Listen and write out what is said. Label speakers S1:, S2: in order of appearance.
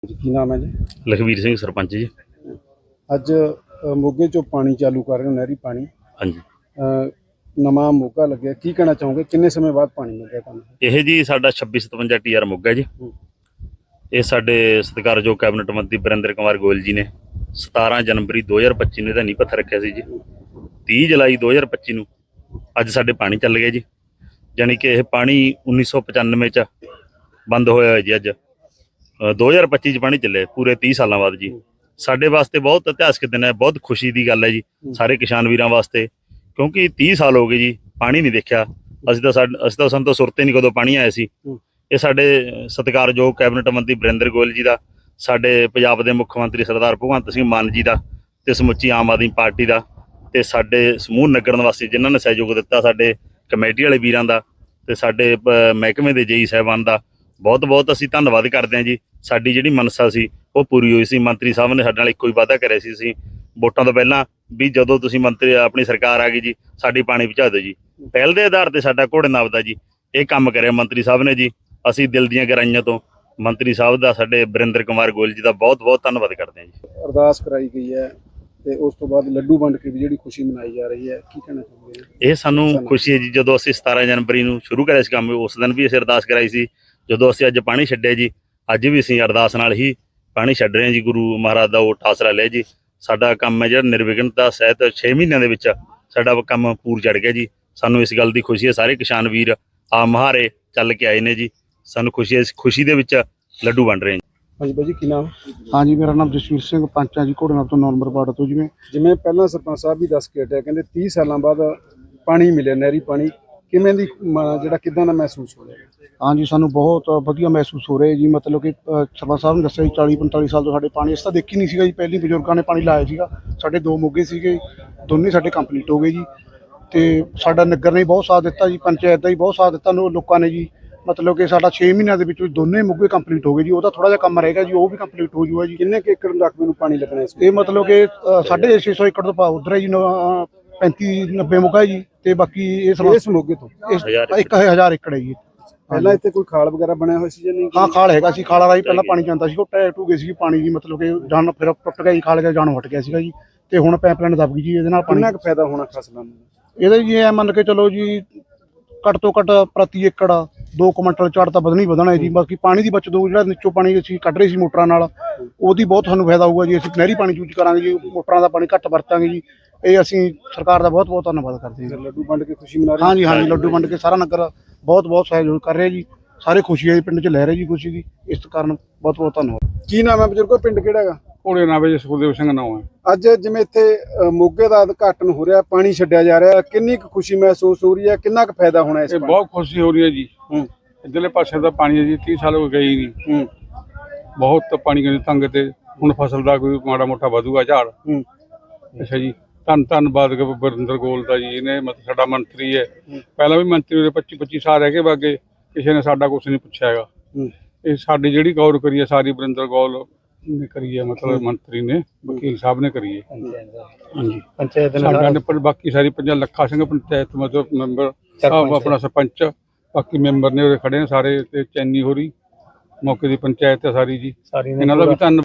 S1: ਜੀ ਕੀ ਨਾਮ ਹੈ ਜੀ?
S2: ਲਖਵੀਰ ਸਿੰਘ ਸਰਪੰਚ ਜੀ।
S1: ਅੱਜ ਮੋਗੇ ਚੋਂ ਪਾਣੀ ਚਾਲੂ ਕਰ ਰਹੇ ਹੋ, ਨਹਿਰੀ ਪਾਣੀ।
S2: ਹਾਂਜੀ,
S1: ਨਵਾਂ ਮੋਗਾ ਲੱਗਿਆ, ਕੀ ਕਹਿਣਾ ਚਾਹੋਗੇ? ਕਿੰਨੇ ਸਮੇਂ ਬਾਅਦ ਪਾਣੀ ਮਿਲ ਰਿਹਾ ਤੁਹਾਨੂੰ?
S2: ਇਹ ਜੀ ਸਾਡਾ 2657 TR ਮੋਗਾ ਜੀ। ਇਹ ਸਾਡੇ ਸਤਿਕਾਰਯੋਗ ਕੈਬਨਿਟ ਮੰਤਰੀ ਬਰਿੰਦਰ ਕੁਮਾਰ ਗੋਇਲ ਜੀ ਨੇ 17 ਜਨਵਰੀ 2025 ਨੂੰ ਇਹਦਾ ਨੀਂਹ ਪੱਥਰ ਰੱਖਿਆ ਸੀ ਜੀ। 30 ਜੁਲਾਈ 2025 ਨੂੰ ਅੱਜ ਸਾਡੇ ਪਾਣੀ ਚੱਲ ਗਿਆ ਜੀ। ਯਾਨੀ ਕਿ ਇਹ ਪਾਣੀ 1995 ਚ ਬੰਦ ਹੋਇਆ ਹੋਇਆ ਜੀ। ਅੱਜ 2025 ਚ ਪਾਣੀ ਚੱਲਿਆ ਪੂਰੇ 30 ਸਾਲਾਂ ਬਾਅਦ ਜੀ। ਸਾਡੇ ਵਾਸਤੇ ਬਹੁਤ ਇਤਿਹਾਸਕ ਦਿਨ ਹੈ, ਬਹੁਤ ਖੁਸ਼ੀ ਦੀ ਗੱਲ ਹੈ ਜੀ ਸਾਰੇ ਕਿਸਾਨ ਵੀਰਾਂ ਵਾਸਤੇ, ਕਿਉਂਕਿ 30 ਸਾਲ ਹੋ ਗਏ ਜੀ ਪਾਣੀ ਨਹੀਂ ਦੇਖਿਆ। ਸਾਨੂੰ ਤਾਂ ਸੁਰਤ ਹੀ ਨਹੀਂ ਕਦੋਂ ਪਾਣੀ ਆਇਆ ਸੀ। ਇਹ ਸਾਡੇ ਸਤਿਕਾਰਯੋਗ ਕੈਬਨਿਟ ਮੰਤਰੀ ਬਰਿੰਦਰ ਗੋਇਲ ਜੀ ਦਾ, ਸਾਡੇ ਪੰਜਾਬ ਦੇ ਮੁੱਖ ਮੰਤਰੀ ਸਰਦਾਰ ਭਗਵੰਤ ਸਿੰਘ ਮਾਨ ਜੀ ਦਾ, ਤੇ ਸਮੁੱਚੀ ਆਮ ਆਦਮੀ ਪਾਰਟੀ ਦਾ, ਤੇ ਸਾਡੇ ਸਮੂਹ ਨਗਰ ਨਿਵਾਸੀ ਜਿਨ੍ਹਾਂ ਨੇ ਸਹਿਯੋਗ ਦਿੱਤਾ, ਸਾਡੇ ਕਮੇਟੀ ਵਾਲੇ ਵੀਰਾਂ ਦਾ, ਤੇ ਸਾਡੇ ਮਹਿਕਮੇ ਦੇ ਜੇਈ ਸਾਹਿਬਾਨ ਦਾ ਬਹੁਤ ਬਹੁਤ ਅਸੀਂ ਧੰਨਵਾਦ ਕਰਦੇ ਹਾਂ ਜੀ। ਸਾਡੀ ਜਿਹੜੀ ਮਨਸਾ ਸੀ ਉਹ ਪੂਰੀ ਹੋਈ ਸੀ। ਮੰਤਰੀ ਸਾਹਿਬ ਨੇ ਸਾਡੇ ਨਾਲ ਇੱਕੋ ਹੀ ਵਾਅਦਾ ਕਰਿਆ ਸੀ ਅਸੀਂ ਵੋਟਾਂ ਤੋਂ ਪਹਿਲਾਂ ਵੀ ਜਦੋਂ ਤੁਸੀਂ ਮੰਤਰੀ ਆਪਣੀ ਸਰਕਾਰ ਆ ਗਈ ਜੀ ਸਾਡੀ ਪਾਣੀ ਪਹੁੰਚਾ ਦਿਓ ਜੀ। ਪਹਿਲ ਦੇ ਆਧਾਰ ਤੇ ਸਾਡਾ ਘੋੜੇ ਨਾਬ ਦਾ ਜੀ ਇਹ ਕੰਮ ਕਰਿਆ ਮੰਤਰੀ ਸਾਹਿਬ ਨੇ ਜੀ। ਅਸੀਂ ਦਿਲ ਦੀਆਂ ਗਹਿਰਾਈਆਂ ਤੋਂ ਮੰਤਰੀ ਸਾਹਿਬ ਦਾ, ਸਾਡੇ ਬਰਿੰਦਰ ਕੁਮਾਰ ਗੋਇਲ ਜੀ ਦਾ ਬਹੁਤ ਬਹੁਤ ਧੰਨਵਾਦ ਕਰਦੇ ਹਾਂ ਜੀ।
S1: ਅਰਦਾਸ ਕਰਾਈ ਗਈ ਹੈ ਤੇ ਉਸ ਤੋਂ ਬਾਅਦ ਲੱਡੂ ਵੰਡ ਕੇ ਵੀ ਜਿਹੜੀ ਖੁਸ਼ੀ ਮਨਾਈ ਜਾ ਰਹੀ ਹੈ, ਕੀ ਕਹਿਣਾ ਚਾਹੋਗੇ?
S2: ਇਹ ਸਾਨੂੰ ਖੁਸ਼ੀ ਹੈ ਜੀ। ਜਦੋਂ ਅਸੀਂ 17 ਜਨਵਰੀ ਨੂੰ ਸ਼ੁਰੂ ਕਰਿਆ ਸੀ ਕੰਮ, ਉਸ ਦਿਨ ਵੀ ਅਸੀਂ ਅਰਦਾਸ ਕਰਾਈ ਸੀ। ਜਦੋਂ ਅਸੀਂ ਅੱਜ ਪਾਣੀ ਛੱਡਿਆ ਜੀ, ਅੱਜ ਵੀ ਅਸੀਂ ਅਰਦਾਸ ਨਾਲ ਹੀ ਪਾਣੀ ਛੱਡ ਰਹੇ ਹਾਂ ਜੀ। ਗੁਰੂ ਮਹਾਰਾਜ ਦਾ ਓਟ ਆਸਰਾ ਲਿਆ ਜੀ। ਸਾਡਾ ਕੰਮ ਹੈ ਜਿਹੜਾ ਨਿਰਵਿਘਨਤਾ ਸਹਿਤ 6 ਮਹੀਨਿਆਂ ਦੇ ਵਿੱਚ ਸਾਡਾ ਕੰਮ ਪੂਰ ਚੜ ਗਿਆ ਜੀ। ਸਾਨੂੰ ਇਸ ਗੱਲ ਦੀ ਖੁਸ਼ੀ ਹੈ। ਸਾਰੇ ਕਿਸਾਨ ਵੀਰ ਆ ਮਹਾਰੇ ਚੱਲ ਕੇ ਆਏ ਨੇ ਜੀ। ਸਾਨੂੰ ਖੁਸ਼ੀ ਹੈ, ਇਸ ਖੁਸ਼ੀ ਦੇ ਵਿੱਚ ਲੱਡੂ ਵੰਡ ਰਹੇ ਹਾਂ।
S1: ਹਾਂਜੀ ਬਾਈ ਜੀ ਕੀ ਨਾਮ?
S3: ਹਾਂਜੀ, ਮੇਰਾ ਨਾਮ ਜਸਵੀਰ ਸਿੰਘ ਪੰਚ ਆ ਜੀ, ਘੋੜੇ ਨਾਬ ਤੋਂ 9 ਨੰਬਰ ਵਾਰਡ ਤੋਂ।
S1: ਜਿਵੇਂ ਪਹਿਲਾਂ ਸਰਪੰਚ ਸਾਹਿਬ ਵੀ ਦੱਸ ਕੇ ਹਟਿਆ, ਕਹਿੰਦੇ 30 ਸਾਲਾਂ ਬਾਅਦ ਪਾਣੀ ਮਿਲਿਆ, ਨਹਿਰੀ ਪਾਣੀ। ਕਿਵੇਂ ਦੀ ਜਿਹੜਾ ਕਿੱਦਾਂ ਦਾ ਮਹਿਸੂਸ ਹੋ ਰਿਹਾ?
S3: ਹਾਂਜੀ, ਸਾਨੂੰ ਬਹੁਤ ਵਧੀਆ ਮਹਿਸੂਸ ਹੋ ਰਿਹਾ ਜੀ। ਮਤਲਬ ਕਿ ਸਰਪੰਚ ਸਾਹਿਬ ਨੇ ਦੱਸਿਆ ਜੀ 40-45 ਸਾਲ ਤੋਂ ਸਾਡੇ ਪਾਣੀ ਇਸ ਤਾਂ ਦੇਖੀ ਨਹੀਂ ਸੀਗਾ ਜੀ। ਪਹਿਲੀ ਬਜ਼ੁਰਗਾਂ ਨੇ ਪਾਣੀ ਲਾਇਆ ਸੀਗਾ। ਸਾਡੇ 2 ਮੋਗੇ ਸੀਗੇ, ਦੋਨੇ ਸਾਡੇ ਕੰਪਲੀਟ ਹੋ ਗਏ ਜੀ। ਤੇ ਸਾਡਾ ਨਗਰ ਨੇ ਬਹੁਤ ਸਾਥ ਦਿੱਤਾ ਜੀ, ਪੰਚਾਇਤ ਦਾ ਹੀ ਬਹੁਤ ਸਾਥ ਦਿੱਤਾ ਲੋਕਾਂ ਨੇ ਜੀ। ਮਤਲਬ ਕਿ ਸਾਡਾ 6 ਮਹੀਨਿਆਂ ਦੇ ਵਿੱਚ ਦੋਨੇ ਮੋਗੇ ਕੰਪਲੀਟ ਹੋ ਗਏ ਜੀ। ਉਹਦਾ ਥੋੜਾ ਜਿਹਾ ਕੰਮ ਰਹੇਗਾ ਜੀ, ਉਹ ਵੀ ਕੰਪਲੀਟ ਹੋ ਜੂਗਾ ਜੀ।
S1: ਕਿੰਨੇ ਏਕੜ ਰਕਬੇ ਨੂੰ ਪਾਣੀ ਲੱਗਣਾ ਇਸ?
S3: ਇਹ ਮਤਲਬ ਕਿ 650 ਏਕੜ ਤੋਂ ਉਧਰ ਹੈ ਜੀ, 35-90 ਮੋਗਾ ਜੀ। ਤੇ ਬਾਕੀ
S1: ਇਸ ਮੋਗੇ ਤੋਂ
S3: 1000 ਏਕੜ ਹੈ ਜੀ।
S1: ਪਹਿਲਾਂ ਇੱਥੇ ਕੋਈ ਖਾਲ ਵਗੈਰਾ ਬਣਿਆ ਹੋਇਆ ਸੀ ਜਾਂ ਨਹੀਂ?
S3: ਹਾਂ, ਖਾਲ ਹੈਗਾ ਸੀ। ਖਾਲਾ ਰਾਹੀਂ ਪਹਿਲਾਂ ਪਾਣੀ ਜਾਂਦਾ ਸੀ, ਉਹ ਟੂ ਗਏ ਸੀ ਪਾਣੀ ਜੀ। ਮਤਲਬ ਕਿ ਜਾਨ ਫਿਰ ਟੁੱਟ ਗਿਆ ਜੀ, ਖਾਲ ਗਿਆ, ਜਾਨੋਂ ਹਟ ਗਿਆ ਸੀਗਾ ਜੀ। ਤੇ ਹੁਣ ਪਾਈਪਲਾਈਨ ਦਬ ਗਈ ਜੀ। ਇਹਦੇ ਨਾਲ
S1: ਕਿੰਨਾ ਕੁ ਫਾਇਦਾ ਹੋਣਾ ਫਸਲਾਂ ਨੂੰ?
S3: ਇਹਦਾ ਜੀ ਇਹ ਮੰਨ ਕੇ ਚਲੋ ਜੀ, ਘੱਟ ਤੋਂ ਘੱਟ ਪ੍ਰਤੀ ਏਕੜ 2 ਕੁਇੰਟਲ ਝਾੜ ਤਾਂ ਵਧਣਾ ਹੈ ਜੀ। ਬਾਕੀ ਪਾਣੀ ਦੀ ਬਚਤ ਹੋਊ। ਜਿਹੜਾ ਨੀਚੋਂ ਪਾਣੀ ਅਸੀਂ ਕੱਢ ਰਹੇ ਸੀ ਮੋਟਰਾਂ ਨਾਲ, ਉਹਦੀ ਬਹੁਤ ਸਾਨੂੰ ਫਾਇਦਾ ਹੋਊਗਾ ਜੀ। ਅਸੀਂ ਨਹਿਰੀ ਪਾਣੀ ਯੂਜ਼ ਕਰਾਂਗੇ ਜੀ, ਮੋਟਰਾਂ ਦਾ ਪਾਣੀ ਘੱਟ ਵਰਤਾਂਗੇ ਜੀ। ਇਹ ਅਸੀਂ ਸਰਕਾਰ ਦਾ ਬਹੁਤ ਬਹੁਤ ਧੰਨਵਾਦ ਕਰਦੇ ਹਾਂ।
S1: ਲੱਡੂ ਵੰਡ ਕੇ ਖੁਸ਼ੀ ਮਨਾ ਰਹੇ?
S3: ਹਾਂਜੀ ਹਾਂਜੀ, ਲੱਡੂ ਵੰਡ ਕੇ ਸਾਰਾ ਨਗਰ ਬਹੁਤ ਬਹੁਤ ਸਹਿਯੋਗ ਕਰ ਰਿਹਾ ਜੀ। ਸਾਰੇ ਖੁਸ਼ੀ ਹੈ ਜੀ, ਪਿੰਡ 'ਚ ਲੈ ਰਹੇ ਜੀ ਖੁਸ਼ੀ ਦੀ। ਇਸ ਕਾਰਨ ਬਹੁਤ ਬਹੁਤ ਧੰਨਵਾਦ।
S1: ਕੀ ਨਾਮ ਹੈ ਬਜ਼ੁਰਗੋ? ਪਿੰਡ ਕਿਹੜਾ ਹੈਗਾ?
S4: ਘੋੜੇ ਨਾਮ ਹੈ ਸੁਖਦੇਵ ਸਿੰਘ ਨਾਮ ਹੈ।
S1: ਅੱਜ ਜਿਵੇਂ ਇੱਥੇ ਮੋਗੇ ਦਾ ਉਦਘਾਟਨ ਹੋ ਰਿਹਾ, ਪਾਣੀ ਛੱਡਿਆ ਜਾ ਰਿਹਾ, ਕਿੰਨੀ ਕੁ ਖੁਸ਼ੀ ਮਹਿਸੂਸ ਹੋ ਰਹੀ ਹੈ? ਕਿੰਨਾ ਕੁ ਫਾਇਦਾ ਹੋਣਾ ਇਸ?
S4: ਬਹੁਤ ਖੁਸ਼ੀ ਹੋ ਰਹੀ ਹੈ ਜੀ। ਇੱਧਰਲੇ ਪਾਸੇ ਦਾ ਪਾਣੀ ਹੈ ਜੀ, 30 ਸਾਲ ਹੋ ਗਏ ਹੀ ਨਹੀਂ। ਬਹੁਤ ਪਾਣੀ ਦੇ ਤੰਗ ਤੇ ਹੁਣ ਫਸਲ ਦਾ ਕੋਈ ਮਾੜਾ ਮੋਟਾ ਵਧੂਗਾ ਝਾੜ। ਅੱਛਾ ਜੀ, ਧੰਨਵਾਦ ਬਰਿੰਦਰ ਗੋਇਲ ਦਾ ਜੀ। ਇਹਨੇ ਮਤਲਬ ਸਾਡਾ ਮੰਤਰੀ ਹੈ, ਪਹਿਲਾਂ ਵੀ ਮੰਤਰੀ ਉਹਦੇ 25 ਸਾਲ ਰਹਿ ਕੇ ਬਾਗੇ, ਕਿਸੇ ਨੇ ਸਾਡਾ ਕੁਛ ਨਹੀਂ ਪੁੱਛਿਆ ਹੈਗਾ। ਇਹ ਸਾਡੀ ਜਿਹੜੀ ਗੌਰ ਕਰੀ ਹੈ ਸਾਰੀ ਬਰਿੰਦਰ ਗੋਇਲ ਨੇ ਕਰੀ ਹੈ, ਮਤਲਬ ਮੰਤਰੀ ਨੇ, ਵਕੀਲ ਸਾਹਿਬ ਨੇ ਕਰੀ ਹੈ। ਹਾਂਜੀ, ਪੰਚਾਇਤ ਨੇ ਬਾਕੀ ਸਾਰੀ ਲੱਖਾ ਸਿੰਘ ਪੰਚਾਇਤ ਮਤਲਬ ਮੈਂਬਰ, ਆਪਣਾ ਸਰਪੰਚ, ਬਾਕੀ ਮੈਂਬਰ ਨੇ ਉਹਦੇ ਖੜੇ ਨੇ ਸਾਰੇ, ਤੇ ਚੈਨੀ ਹੋਰੀ ਮੌਕੇ ਦੀ ਪੰਚਾਇਤ ਹੈ ਸਾਰੀ ਜੀ। ਇਹਨਾਂ ਦਾ ਵੀ ਧੰਨਵਾਦ।